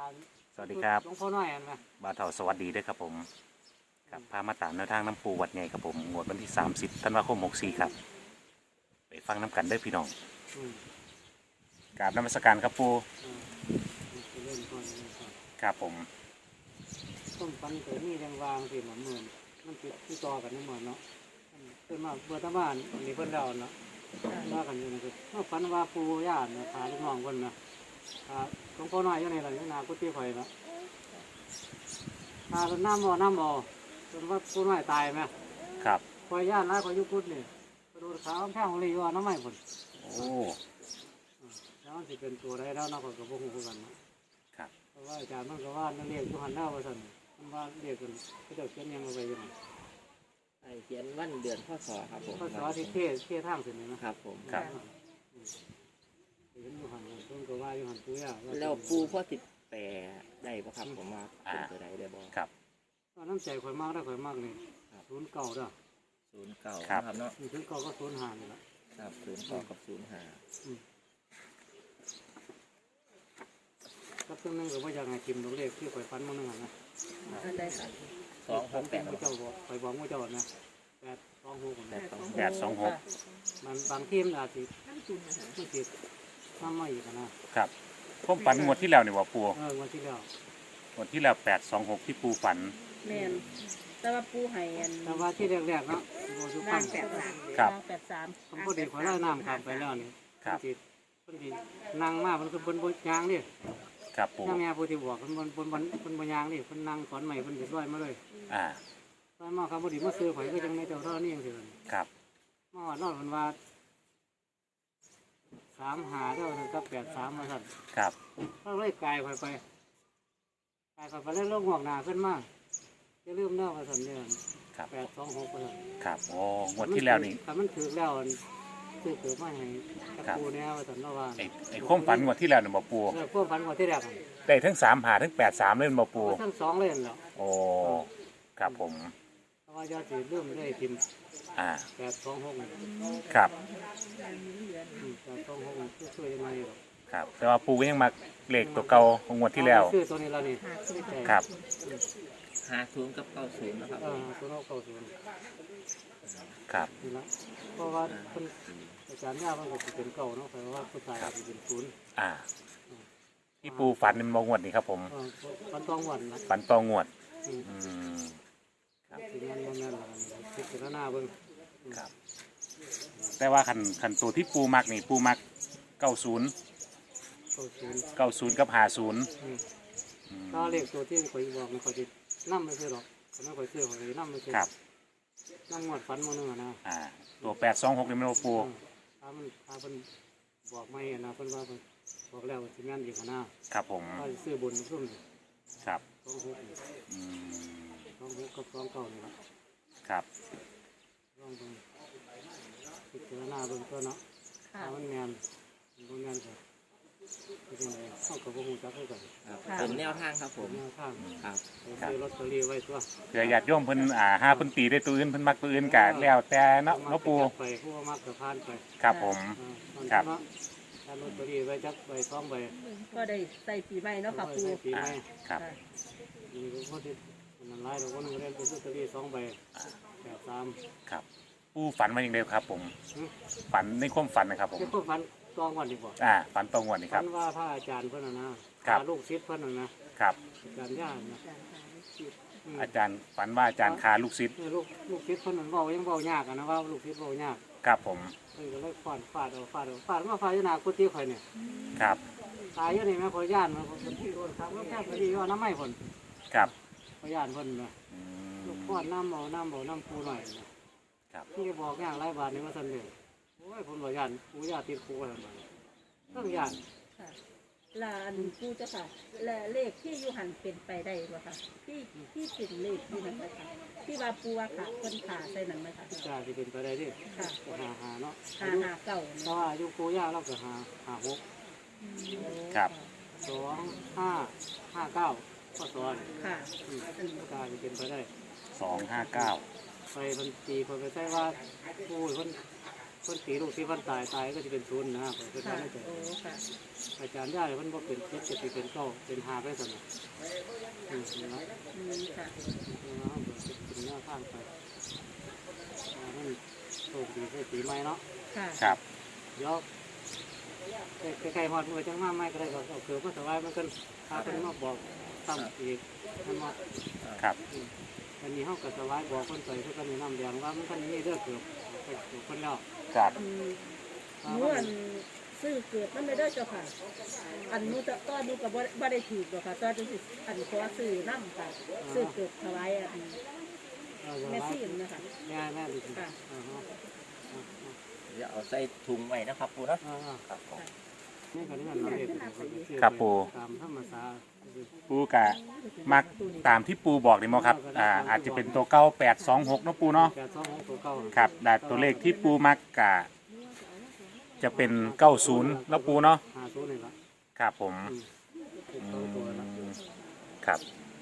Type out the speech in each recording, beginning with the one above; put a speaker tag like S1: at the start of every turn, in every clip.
S1: สวัสดีครับ
S2: หลวงพ่อน้อยอันไหม
S1: บ่าวเฒ่าสวัสดีด้วยครับผมครับพามาตามแนวทางน้ำปูวัดใหญ่ครับผมงวดวันที่30ธันวาคม64ครับไปฟังน้ำกันเด้อพี่น้อง
S2: อืม
S1: กราบนมัสการครับปู
S2: เริ่มก่อนเริ่มก่อน
S1: ครับผม
S2: ต้มปันเกิดนี่แรงวางสิเหมือนมันติดที่ต่อกันนี่เหมือนเนาะเพิ่นมาเบื่อตะบ้านนี่เพิ่นเดาเนาะว่ากันอยู่นะครับว่าฝันว่าปู่ย่าเนี่ยพาลูกน้องเพิ่นนะพาหลวงพ่อน้อยอยู่ในหลังนากุฏิไฟเนาะพาเป็นน้ำบ่จนว่าปู่น้อยตายไหม
S1: ครับ
S2: คอยย่านแล้วคอยยุกุดนี่กระดูกขาวแข้งของลีว่าน้ำไม่ผล
S1: โอ้
S2: แล้วมันสิเป็นตัวได้แล้วนะคนกับพวกหูกันนะครับเพราะว่าอาจารย์มันก็ว่านั่นเรียกยุหันหน้าว่าสันมันว่าเรียกกันก็จะเขียนยังเอาไปยังไง
S3: เขียนวันเดือนพศครับผม
S2: พศที่เททางเสร็จเลยนะครับ
S3: ผม
S1: ครับ
S2: เห็นยุหันต้นก็ว่ายุหันตัวย่า
S3: แล้วปูพ่อติดแปรได้ปะครับผมว่าเป็นตัวใดได้บ่
S1: ครับ
S2: ตอนน้ำใจข่อยมากได้ข่อยมากนี่09เด้อ
S3: 09ครับเนาะ
S2: นี่09ก็05นี่แหละ
S3: ครับ09กับ05
S2: ครับซึ่งนึงก็ว่าอย่างไงทิมตัวเลขที่ข่อยฟันมันนึงนะ
S3: ได้ครับ268
S2: เจ้าบอกข่อยบอกว่าเจ้านะ
S1: 826
S2: มันบางทีมันอาจจะไม่ติดทำไม่อีกนะครับ
S1: ผมฝันงวดที่แล้วนี่ว่าปู
S2: วันที่แล้ว
S1: งวดที่แล้ว826ที่ปูฝัน
S4: แม่นแต่ว่าปูให้อัน
S2: แต่ว่าที่แรกๆเนาะโบสุพรรณ
S1: ครับ
S4: 83
S2: ผมพอดีขอไล่น้ำข้ามไปแล้วนี่
S1: ครับ
S2: พอดีนั่งมามันคือบนยางนี่
S1: ครับปู
S2: นั่งแม่ผู้ที่บอกบนยางนี่มันนั่งสอนใหม่มันเดือดร้อนมาเลยร้อนมากครับพอดีมาซื้อข่อยก็จังในเจ้าท่อนี่ยังสิ
S1: ครับ
S2: มาว่านอนมันว่า3 หาเท่านั้นกับ83มาสั่น
S1: ครับ
S2: เขาเลยกายข่อยไปแล้วลงหัวหน้าขึ้นมาจะลืมเน่ามาสั่นเนี่ย826มาสั่น
S1: ครับโอ้งวดที่แล้วนี่
S2: ถ้ามันถือแล้วซื้อเกิดมาให้กับปูเนี่ยมาสั่นเนาะว่า
S1: ไอ้ความฝันงวดที่แล้วนี่บ่ปู
S2: ความฝันงวดที่แรก
S1: ได้ทั้ง3หาทั้ง83เลยบ่ปู
S2: ทั้ง2เลยเหรอ
S1: โอ้ครับผม
S2: เพราะว่ายอดสิลืมได้ทิม826
S1: ครับ
S2: 826ช่วยยังไง
S1: ครับแต่ว่าปูก็ยังมาเลขตัวเก่าของงวดที่แล้ว
S2: ซื้อตัวนี้แล้วนี่
S1: ครับ
S3: 50กับ90นะครับ
S2: 090
S1: ครับ
S2: นี่ละเพราะว่าคนอาจารย์ย่ามันก็เป็นเก่าเนาะเพราะว่าผู้ชายจะเป็น0
S1: ที่ปูฝันเป็นงวดนี่ครับผม
S2: ฝันตองงวดนะ
S1: ฝันตองงวด
S2: ครับที่นั่นพิจารณาเบิ่ง
S1: ครับแต่ว่าขันตัวที่ปูมักนี่ปูมัก90กับ50
S2: ถ้าเลขตัวที่ข่อยบอกมันข่อยจะนั่มไม่ใช่หรอกเขาไม่ข่อยซื้อข่อยจะนั่มไม่ใช่
S1: ครับ
S2: นั่งงวดฝันมื้อนึงนะ
S1: ตัว826นี่มันปู
S2: ถ้ามันบอกไม่นะเพิ่นว่าบอกแล้วว่าสิแม่นอีก
S1: ครับผม
S2: ก็ซื้อบนซุ่ม
S1: ครับ
S2: 26กับ29นี่ล่ะ
S1: ครับ
S2: ลองเบิ่งพิจารณาเบิ่งตัวเนาะถ้ามันแม่นบ่แม่นก็เป็นไงเข้ากับบ่ฮู้จักคือกัน
S3: เป็นแนวทางครับผม
S2: แนวทาง
S3: ครับ
S2: ซื้อลอตเตอรี่ไว้ตัว
S1: เผื่อญาติโยมเพิ่นหาเพิ่นตีได้ตัวอื่นเพิ่นมักตัวอื่นก็แล้วแต่เนาะปู
S2: ไปผู้มักก็ผ่านไป
S1: ครับผมครับ
S2: ถ้าลอตเตอรี่ไว้จักใบ2ใบ
S4: ก็ได้ใส่ปีใหม่เนาะค่ะปู
S2: ปีใหม่
S1: ครับ
S2: นี่ก็พอที่มันหลายเราก็นึงได้ลอตเตอรี่2ใบ83
S1: ครับปูฝันมาอย่างเดียวครับผมฝันในความฝันนะครับผม
S2: ในความฝันตองวันดีกว่า
S1: ฝันตองวันนี่ครับ
S2: ฝันว่าพระอาจารย์เพิ่นนะลูกศิษย์เพิ่น
S1: นะครับ
S2: อาจารย์ย่านะ
S1: อาจารย์ฝันว่าอาจารย์คาลูกศิษย์
S2: ลูกศิษย์เพิ่นเว้ายังเว้ายากนะว่าลูกศิษย์เว้ายาก
S1: ครับผม
S2: ก็เลยฟาดมาฟาดอยู่หน้ากุฏิข่อยเนี่ย
S1: ครับ
S2: ตายอยู่นี่แม่ข่อยย่านมันที่โดนครับแล้วแค่พอดีว่าน้ำไม้เพิ่น
S1: ครับ
S2: ข่อยย่านเพิ่นนะลูกฟาดน้ำปูหน่อยครับที่บอกอย่างไรบาทนี่มาสั่นเลยโอ้ยผมบ่ย่านปูย่าติดปูอะไรมาต้องย่าน
S4: ลานปูเจ้าค่ะและเลขที่ยูหันเป็นไปได้บ่ค่ะที่เป็นเลขที่นั่นไหมคะที่ว่าปูว่าค่ะคนขาใส่หนังไหมคะ
S2: จะเป็นไปได้ดิ
S4: ค่ะ
S2: หาเนาะ
S4: 5เก่า
S2: เพราะว่ายุคปูย่าเราก็หา
S1: 6ครับ
S2: 2559ข้อสอน
S4: ค่ะ
S2: จะเป็นไปได้
S1: 259
S2: ไปบัญชีคนไปใช้ว่าปูคนคนตีลูกที่วันตายก็จะเป็นศูนย์นะครับเป็น
S4: ค่ะ
S2: การไม่เกิด
S4: โอ้ค่ะ
S2: อาจารย์ได้มันบ่เป็นเจ็ดจะเป็นเก้าเป็นหาไปสนะนี่นะ
S4: ค่ะ
S2: เราเบิดเป็นหน้าข้างไปมันโชคดีใส่ปีใหม่เนาะ
S4: ค่ะ
S1: ครับ
S2: เดี๋ยวใกล้ๆฮอดมือจังมาไม่ก็ได้ก็เอาเกือบมาถวายมันกันพาเพิ่นมาบอกซ้ำอีกมันมา
S1: ครับ
S2: อันนี้เฮาก็ถวายบอกเพิ่นไปเพิ่นก็แนะนำแดงว่ามันคันนี้เด้อเกือบไปเกือบเพิ่นแล้ว
S1: ครับ
S4: หนูอันซื้อเกิดมันไม่ได้เจ้าค่ะ อันหนูจะต้อนหนูกับบ่ได้ถูกหรอกค่ะต้อนจังสิอันขอซื้อน้ำค่ะซื้อเกิดถวายอันแม่ซีนนะคะ
S2: แม่ดีค่ะ
S3: เดี๋ยวเอาใส่ถุงไว้นะครับปูเนาะครับผม
S2: นี่ก็นี่มันเราเฮ็ด
S1: ครับปู
S2: ตามธรรมชาติ
S1: ปูกะมักตามที่ปูบอกนี่มั้งครับอาจจะเป็นตัวเก้า826เนาะปูเนาะ
S2: 826ตัวเก่า
S1: ครับแต่ตัวเลขที่ปูมักกะจะเป็น90แล้วปูเนาะ
S2: 50นี่ล่ะ
S1: ครับผม
S2: เป็นตัวละ
S1: ครับ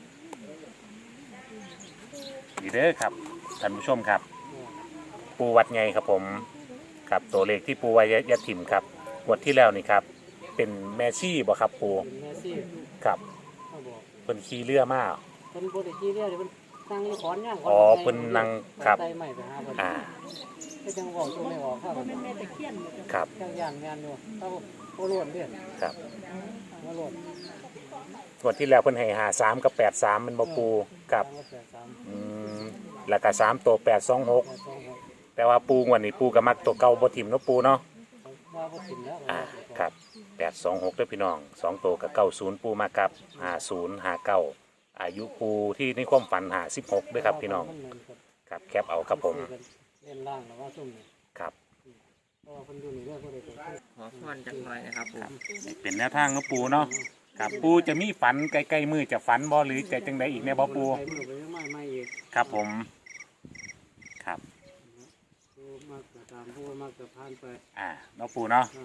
S1: ดีเด้อครับท่านผู้ชมครับ ปูวัดไงครับผมครับตัวเลขที่ปูไว้ยะถิ่มครับงวดที่แล้วนี่ครับ เป็นแมซี่บ่ครับปู
S2: เป็นแม่ซี่
S1: ครับ
S2: เขาบอก
S1: เพิ่นขี่เรือมา
S2: เพิ่นบ่ได้ขี้เรียกเพิ่นนั่งอยู่ขอนย่าง
S1: อ๋อเพิ่นนั่งครับ
S2: ใส่ไม้ไปหาเพิ่น
S1: อ่า
S2: ก็จังเว้าตัวไม่ออกครับ
S4: เพราะแม่ตะเคียนหมดเลย
S1: ครับ
S2: จังย่างงานอยู่เต้าโคล้วนเด้อ
S1: ครับ
S2: มาล้วน
S1: งวดที่แล้วเพิ่นให้53กับ83มันบ่ปูกับ
S2: 3
S1: อืมแล้วก็3ตัว826
S2: 2
S1: แต่ว่าปูงวดนี้ปูก็มักตัวเก่าบ่ถิ่มเนาะปูเนาะ
S2: ว่าบ่กินแล้ว
S1: ครับ826เด้อพี่น้อง2ตัวกับ90ปูมากับ50 59อายุปูที่ในความฝัน56ด้วยครับพี่น้องครับแคปเอาครับผม
S2: เล่นล่างแล้วว่าซุ่มนี่
S1: ครับ
S2: เพราะว่าเพิ่นอยู่นี่เด้อบ่ได้ไป
S3: ขอพรจักหน่อยนะครับปู
S1: เป็นแนวทางเนาะปูเนาะครับปูจะมีฝันใกล้ๆมือจะฝันบ่หรือจะจังใดอีกแน่บ่ปู
S2: ไปมือไปไม่อีก
S1: ครับผมครับ
S2: ผู้มักจะตามผู้มักจะผ่านไป
S1: เนาะปูเนาะ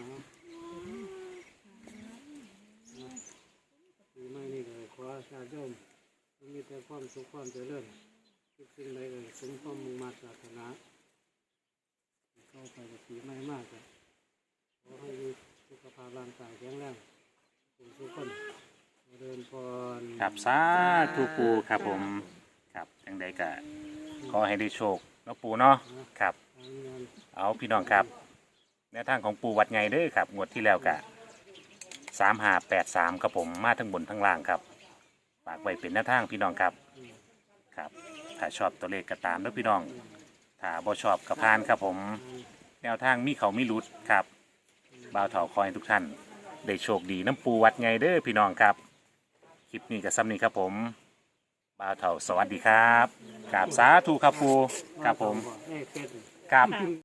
S2: ปีใหม่นี่เลยขอชาติโยมมีแต่ความสุขความเจริญทุกสิ่งใดเลยสมความมุ่งมั่นปรารถนาเข้าไปกับปีใหม่มากเลยขอให้มีสุขภาพร่างกายแข็งแรงทุกคนเดินพร
S1: ครับสาธุปูครับผมครับจังใดก็ขอให้ได้โชคเนาะปูเนาะครับ
S2: ทางงาน
S1: เอาพี่น้องครับแนวทางของปูวัดไงเด้อครับงวดที่แล้วกะ3583ครับผมมาทั้งบนทั้งล่างครับฝากไว้เป็นแนวทางพี่น้องครับครับถ้าชอบตัวเลขก็ตามเด้อพี่น้องถ้าบ่ชอบก็ผ่านครับผมแนวทางมีเขามีรุดครับบ่าวเถาคอยให้ทุกท่านได้โชคดีน้ำปูวัดไงเด้อพี่น้องครับคลิปนี้กับซ้ำนี้ครับผมบ่าวเถาสวัสดีครับกราบสาธุครับปูครับผม
S2: เอ้ยเป็ด
S1: ครับ